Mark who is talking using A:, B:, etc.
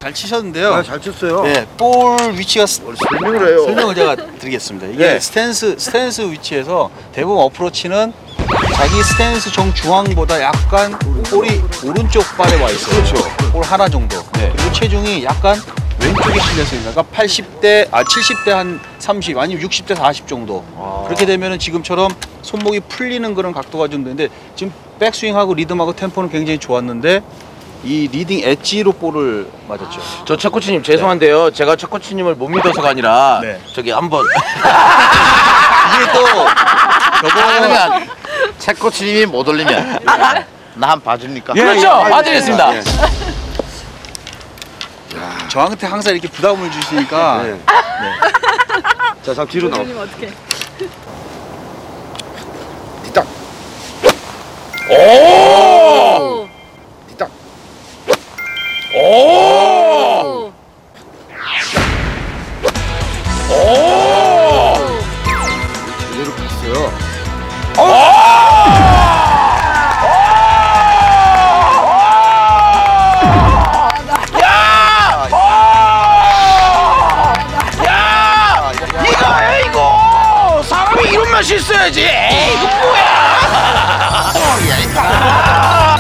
A: 잘 치셨는데요.
B: 아, 잘 쳤어요.
A: 네, 볼 위치가
B: 설명을 해요.
A: 설명을 제가 드리겠습니다. 이게
B: 네.
A: 스탠스 위치에서 대부분 어프로치는 자기 스탠스 정중앙보다 약간 볼이 오른쪽 발에 와 있어요.
B: 그렇죠.
A: 볼 하나 정도.
B: 네.
A: 그리고 체중이 약간 왼쪽에 실려 있습니다. 그러니까 70대 한 30 아니면 60대 40 정도. 그렇게 되면은 지금처럼 손목이 풀리는 그런 각도가 좀 되는데 지금 백스윙하고 리듬하고 템포는 굉장히 좋았는데 이 리딩 엣지로 볼을 맞았죠.
C: 저 최코치님 죄송한데요. 제가 최코치님을 못 믿어서가 아니라
A: 네.
C: 저기 한번
A: 이게 또 저거
D: 그러면 채코치님이 못 올리면 나 한 번 봐줍니까?
C: 그렇죠. 봐드리겠습니다.
A: 저한테 항상 이렇게 부담을 주시니까
B: 네. 자, 잠 뒤로 나와.
E: 어떻게?
B: 뒤딱.
C: 오!
B: 뒤딱.
C: 오! 오!
B: 제대로 갔어요.
C: 이거야 이거! 사람이 이런 맛이 있어야지! 에이 이거 뭐야!